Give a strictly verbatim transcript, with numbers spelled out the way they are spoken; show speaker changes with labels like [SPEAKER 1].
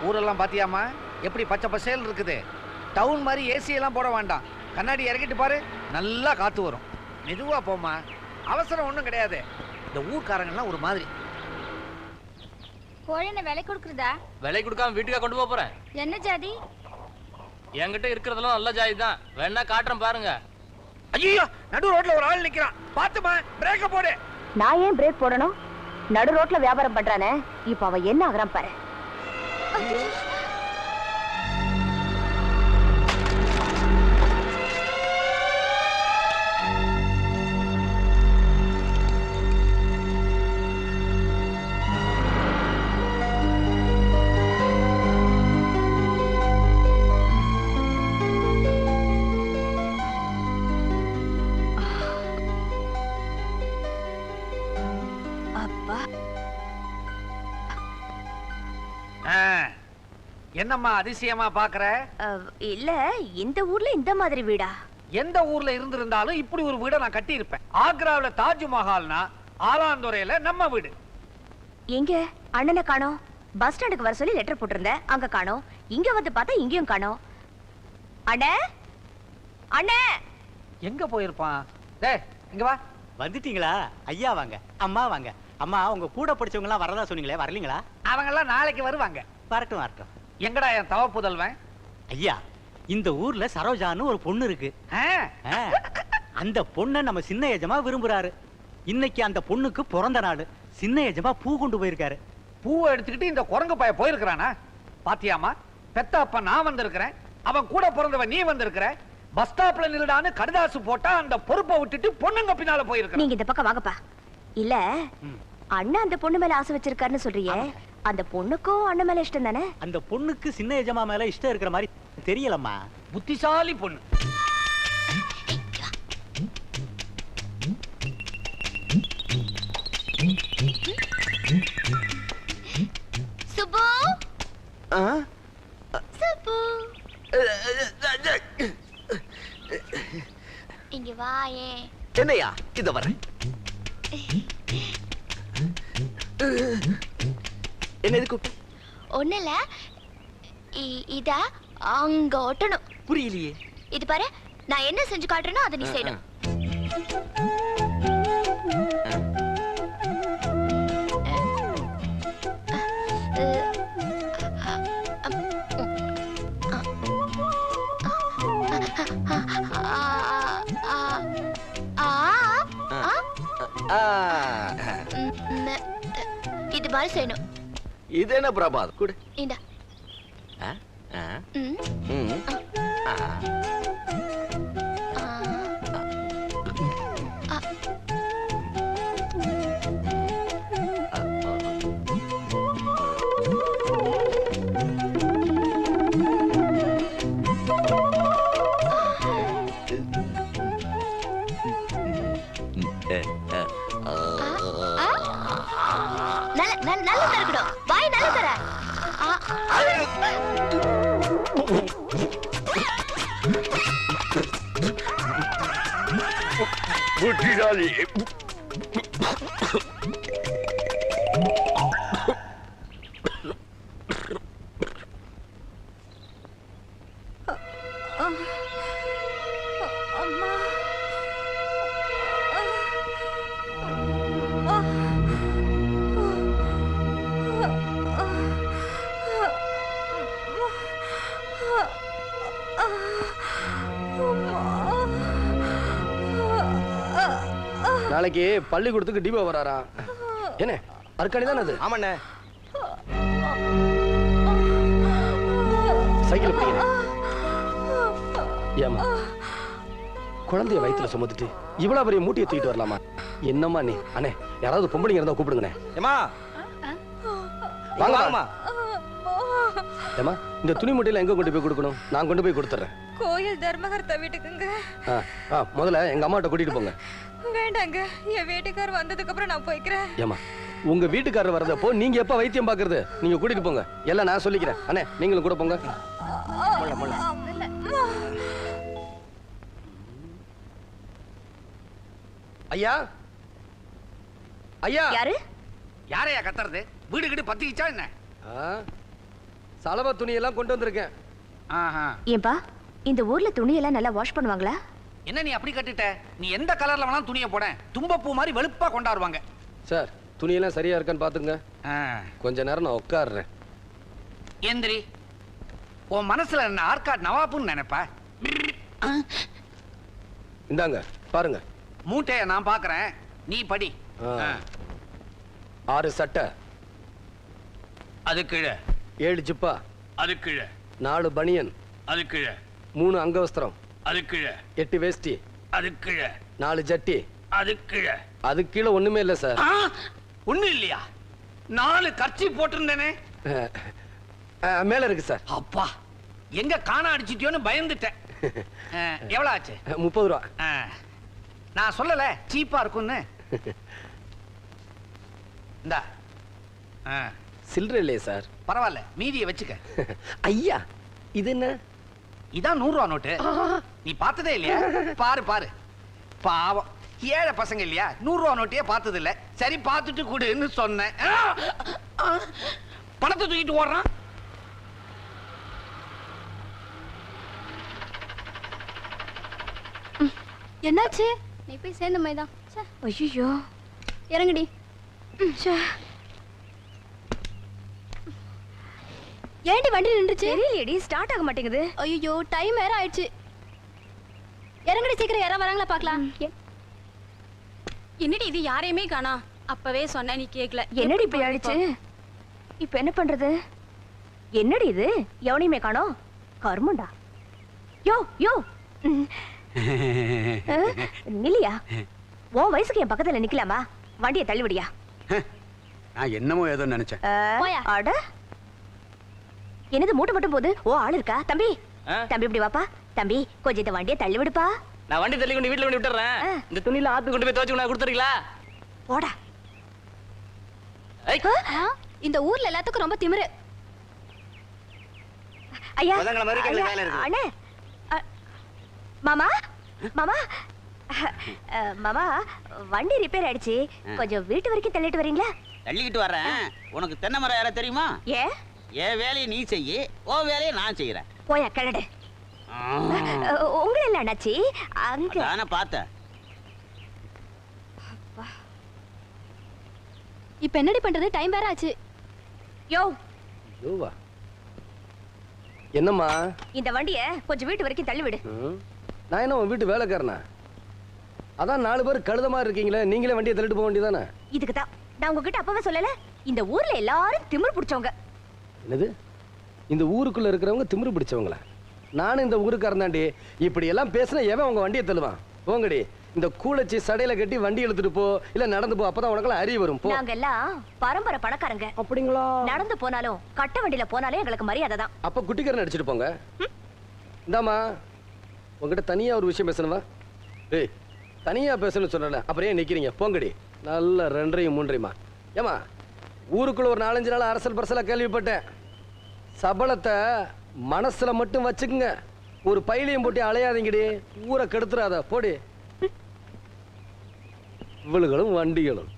[SPEAKER 1] ஊரெல்லாம் பாத்தியாமா எப்படி பச்சை பசேல் இருக்குது. டவுன் மாதிரி ஏசி எல்லாம் போட வேண்டாம். கண்ணாடி இறக்கிட்டு பாரு, நல்லா காத்து வரும். மெதுவா போமா, அவசரம் ஒண்ணும் கிடையாது. இந்த ஊர்க்காரங்கெல்லாம் ஒரு மாதிரி.
[SPEAKER 2] கோழின விலை கொடுக்குறதா?
[SPEAKER 3] விலை கொடுக்காம வீட்டுக்கா கொண்டு போக போறேன்.
[SPEAKER 2] என்ன ஜாதி?
[SPEAKER 3] என்கிட்ட இருக்கிறதெல்லாம் நல்ல ஜாதி தான். வேணா காட்டுறேன் பாருங்க.
[SPEAKER 1] ஐயோ, நடு ரோட்ல ஒரு ஆள் நிக்கிறான், பாத்துமா பிரேக்க போடு.
[SPEAKER 4] நான் ஏன் பிரேக் போடணும்? நடு ரோட்ல வியாபாரம் பண்றானே, இப்ப அவன் என்ன ஆகுறான் பாரு.
[SPEAKER 1] என்னம்மா அதிசயமா பாக்குற?
[SPEAKER 4] இல்ல, இந்த ஊர்ல இந்த மாதிரி வீடா?
[SPEAKER 1] எந்த ஊர்ல இருந்திருந்தாலும் இப்படி ஒரு வீட நான் கட்டி இருப்பேன். ஆக்ராவில தாஜ்மஹால்னா ஆலாந்துறையில நம்ம வீடு.
[SPEAKER 4] எங்க அண்ணனை காணோம்? பஸ் ஸ்டாண்டுக்கு வர சொல்லி லெட்டர் போட்டிருந்தேன், அங்க காணோம். இங்க வந்து பார்த்தா இங்கேயும் காணோம். அண்ணே, அண்ணே
[SPEAKER 1] எங்க போயிருப்பான்? டேய் இங்க வா.
[SPEAKER 5] வந்துட்டீங்களா? ஐயா வாங்க, அம்மா வாங்க. அம்மா, உங்க கூட படிச்சவங்க எல்லாம் வரதா சொன்னீங்களே, வரலீங்களா?
[SPEAKER 1] அவங்க எல்லாம் நாளைக்கு வருவாங்க.
[SPEAKER 5] வரட்டும் வரட்டும்.
[SPEAKER 1] எங்கடா என் தவ புதல்வன்?
[SPEAKER 5] ஐயா, இந்த ஊர்ல சரோஜான்னு ஒரு பொண்ணு இருக்கு. அந்த பொண்ணை நம்ம சின்ன எஜமா விரும்புறாரு. இன்னைக்கு அந்த பொண்ணுக்கு பிறந்த நாள். சின்ன எஜமா பூ கொண்டு போயிருக்காரு.
[SPEAKER 1] பூவை எடுத்துக்கிட்டு இந்த குரங்கு பைய போயிருக்கிறானா? பாத்தியாமா, பெத்த அப்ப நான் வந்திருக்கிறேன், அவன் கூட பிறந்தவன் நீ வந்திருக்கிற. பஸ் ஸ்டாப்ல நில்லுடான்னு கடுதாசு போட்டா அந்த பொறுப்பை விட்டுட்டு பொண்ணுங்க பின்னால போயிருக்க.
[SPEAKER 4] நீங்க இந்த பக்கம் வாங்கப்பா. இல்ல, அண்ணன் அந்த பொண்ணு மேல ஆசை வச்சிருக்காருன்னு சொல்றீங்க. அந்த பொண்ணுக்கும் அண்ணன் மேல இஷ்டம் தானே?
[SPEAKER 5] அந்த பொண்ணுக்கு சின்ன எஜமா மேல இஷ்டம் இருக்கிற மாதிரி தெரியலம்மா.
[SPEAKER 1] புத்திசாலி பொண்ணு.
[SPEAKER 2] சுப்பு, சுப்பு, இங்க வாயே.
[SPEAKER 6] என்னையா இத வரேன். என்ன இது கூப்பிட்டு?
[SPEAKER 2] ஒண்ணுல இத அங்க ஒட்டணும்.
[SPEAKER 6] புரியலையே.
[SPEAKER 2] இது பாரு, நான் என்ன செஞ்சு காட்டுறேனோ அதை நீ செய்யணும். இது மாதிரி செய்யணும்.
[SPEAKER 6] இது என்ன பிரபாத் குடு.
[SPEAKER 2] இந்த நல்ல தரக்கணும். வாய் நல்ல தர.
[SPEAKER 6] புத்திசாலி.
[SPEAKER 7] நாளைக்கு பள்ளிக்கூடத்துக்கு டிபோ வராரா? என்ன அர்க்காணி தானே அது?
[SPEAKER 6] ஆமாண்ணே.
[SPEAKER 7] சைக்கிள் பிடிங்க. ஏமா குழந்தைய வயிற்றுல சுமந்துட்டு இவ்வளவு பெரிய மூட்டையை தூக்கிட்டு வரலாமா? என்னம்மா நீ? அண்ணே, யாராவது பொம்பளைங்க இருந்தா கூப்பிடுங்கண்ணே.
[SPEAKER 5] ஏமா
[SPEAKER 7] வாங்கம்மா. ஏமா, இந்த துணி மூட்டையில எங்க கொண்டு போய் கொடுக்கணும்? நான் கொண்டு போய் கொடுத்துறேன்.
[SPEAKER 8] கோயில் தர்மகர்த்தா வீட்டுக்குங்க.
[SPEAKER 7] முதல்ல எங்க அம்மாட்ட கூட்டிட்டு போங்க.
[SPEAKER 8] வேண்டாங்க, என் வீட்டுக்காரர் வந்ததுக்கு அப்புறம் நான் போய்க்கிறேன்.
[SPEAKER 7] ஏமா, உங்க வீட்டுக்காரர் வரதப்போ நீங்க எப்ப வைத்தியம் பாக்குறது? நீங்க கூட்டிட்டு போங்க, எல்லாம் நான் சொல்லிக்கிறேன். அண்ணே, நீங்களும் கூட போங்க. ஐயா, ஐயா.
[SPEAKER 4] யாரு?
[SPEAKER 1] யாரையா கத்துறது? வீடு கிட்ட பத்திக்கிச்சா என்ன?
[SPEAKER 7] சலவை துணியெல்லாம் கொண்டு வந்திருக்கேன்.
[SPEAKER 1] ஆஹா.
[SPEAKER 4] ஏன்பா இந்த ஊர்ல துணியெல்லாம் நல்லா வாஷ் பண்ணுவாங்களா?
[SPEAKER 1] என்ன நீ அப்படி கட்டிட்ட? நீ எந்த கலர்ல வேணாலும் துணியை போட, தும்பப்பூ மாதிரி வெளுப்பா கொண்டாடுவாங்க.
[SPEAKER 7] சார் துணியெல்லாம் சரியா இருக்கான்னு பாத்துங்க. கொஞ்ச நேரம் நான் உட்காடுறேன்.
[SPEAKER 1] எந்திரி. உன் மனசுல என்ன ஆர்காட் நவாப்புன்னு நினைப்பா?
[SPEAKER 7] இந்தாங்க பாருங்க.
[SPEAKER 1] மூட்டைய நான் பாக்குறேன், நீ படி.
[SPEAKER 7] ஆ. ஆறு சட்டை,
[SPEAKER 1] அது கீழே.
[SPEAKER 7] ஏழு ஜிப்பா,
[SPEAKER 1] அது கீழே.
[SPEAKER 7] நாலு பனியன்,
[SPEAKER 1] அது கீழே.
[SPEAKER 7] மூணு அங்கவஸ்திரம்,
[SPEAKER 1] அது கீழே.
[SPEAKER 7] எட்டு வேஷ்டி,
[SPEAKER 1] அது கீழே.
[SPEAKER 7] நாலு ஜட்டி,
[SPEAKER 1] அது கீழே.
[SPEAKER 7] அது கீழே ஒண்ணுமே இல்ல சார்.
[SPEAKER 1] ஒண்ணு இல்லையா? நாலு கர்ச்சி போட்டிருந்தேனே.
[SPEAKER 7] மேல இருக்கு சார்.
[SPEAKER 1] அப்பா, எங்க காண அடிச்சிட்டியோன்னு பயந்துட்டேன். எவ்வளவு ஆச்சு?
[SPEAKER 7] முப்பது ரூபா.
[SPEAKER 1] நான் சொல்லல சீப்பா இருக்கும்னு. இந்தா.
[SPEAKER 7] சில்லற இல்லையே சார்.
[SPEAKER 1] பரவாயில்ல, மீதியை வச்சுக்க.
[SPEAKER 7] ஐயா இது என்ன?
[SPEAKER 1] இதான் நூறு ரூபா நோட்டு. நீ பார்த்ததே இல்லையா? பாரு பாரு. பாவம் ஏழை பசங்க இல்லையா, நூறு ரூபா நோட்டையே பார்த்தது இல்ல. சரி பார்த்துட்டு கூடுன்னு சொன்னேன். பணத்தை தூக்கிட்டு ஓடுறான்.
[SPEAKER 2] என்னாச்சு? நீ போய் சேர்ந்த மாதிரி தான்.
[SPEAKER 4] ஐயோ
[SPEAKER 2] இறங்குடி. ஏண்டி வண்டி நின்றுச்சு?
[SPEAKER 4] தெரியலையடி, ஸ்டார்ட் ஆக மாட்டேங்குது.
[SPEAKER 2] ஐயோ டைம் வேற ஆயிடுச்சு. இறங்குடி சீக்கிரம், யாரா வராங்களா பாக்கலாம்.
[SPEAKER 8] என்னடி இது யாரையுமே காணா? அப்பவே சொன்ன நீ கேக்கல.
[SPEAKER 4] என்னடி இப்படி ஆயிடுச்சு? இப்ப என்ன பண்றது? என்னடி இது, எவனையுமே காணோம். கர்மண்டா. யோ யோ நில்லியா, உன் வயசுக்கு என் பக்கத்துல நிக்கலாமா? வண்டியை தள்ளிவிடியா.
[SPEAKER 9] நான் என்னமோ ஏதோ நினைச்சேன்.
[SPEAKER 4] அட என்னது மூட்டை மட்டும் போகுது? ஓ ஆள் இருக்கா? தம்பி தம்பி இப்படி வாப்பா. தம்பி கொஞ்சம் இந்த வண்டியை தள்ளி விடுப்பா.
[SPEAKER 3] நான் வண்டி தள்ளி கொண்டு வீட்டுல கொண்டு விட்டுறேன். இந்த துணியில ஆத்து கொண்டு போய் துவைச்சு கொடுத்துறீங்களா?
[SPEAKER 4] போடா.
[SPEAKER 2] இந்த ஊர்ல எல்லாத்துக்கும் ரொம்ப திமிரு.
[SPEAKER 4] ஐயா அண்ணே, மாமா மாமா மாமா வண்டி ரிப்பேர் ஆயிடுச்சு, கொஞ்சம் வீட்டு வரைக்கும் தள்ளிட்டு வரீங்களா?
[SPEAKER 10] தள்ளிக்கிட்டு வர்றேன். உனக்கு தென்னை மரம் யார தெரியுமா?
[SPEAKER 4] ஏ
[SPEAKER 10] என் வேலையை நீ செய்யி, ஓ வேலையை நான் செய்யறேன்.
[SPEAKER 4] போயா கிளடு. உங்களை இல்ல அண்ணாச்சி, அங்க
[SPEAKER 10] நானே பார்த்தேன்.
[SPEAKER 2] இப்ப என்னடி பண்றது? டைம் வேற ஆச்சு.
[SPEAKER 4] யோ
[SPEAKER 7] யோவா என்னம்மா?
[SPEAKER 4] இந்த வண்டிய கொஞ்சம் வீட்டு வரைக்கும் தள்ளி விடு.
[SPEAKER 7] நான் என்ன உன் வீட்டு வேலைக்காரனா? அதான் நாலு பேர் கழுத மாதிரி இருக்கீங்களே, நீங்களே வண்டியை தள்ளிட்டு போக வேண்டியதானே?
[SPEAKER 4] இதுக்கு தான் நான் உங்ககிட்ட அப்பவே சொல்லல, இந்த ஊர்ல எல்லாரும் திமிரு பிடிச்சவங்க.
[SPEAKER 7] என்னது? இந்த ஊருக்குள்ள இருக்கிறவங்க திமிரு பிடிச்சவங்களா? நானும் இந்த ஊருக்காரன் தாண்டி. இப்படி எல்லாம் பேசினா எவன் உங்க வண்டியை தள்ளுவான்? போங்கடி. இந்த கூலச்சி சடையில கட்டி வண்டி எடுத்துட்டு போ, இல்ல நடந்து போ, அப்பதான் உனக்கு அறிவு வரும். போ.
[SPEAKER 4] நாங்க எல்லாம் பரம்பரை பணக்காரங்க.
[SPEAKER 7] அப்படிங்களா?
[SPEAKER 4] நடந்து போனாலும் கட்ட வண்டியில போனாலும் எங்களுக்கு மரியாதை தான்.
[SPEAKER 7] அப்ப குட்டிக்காரன் அடிச்சிட்டு போங்க. இந்தாமா உங்ககிட்ட தனியா ஒரு விஷயம் பேசணுமா? ஏய் தனியா பேசணும்னு சொன்னல, அப்புறம் ஏன் நிக்கிறீங்க? போங்கடி. நல்ல ரெண்டரையும் மூன்றையுமா. ஏமா ஊருக்குள்ள ஒரு நாலஞ்சு நாள் அரசல் பரசலா கேள்விப்பட்டேன். சபலத்தை மனசுல மட்டும் வச்சுக்குங்க, ஒரு பையிலையும் போட்டு அலையாதீங்கடி, ஊரை கெடுத்துறாத. போடி. இவளுகளும் வண்டிகளும்.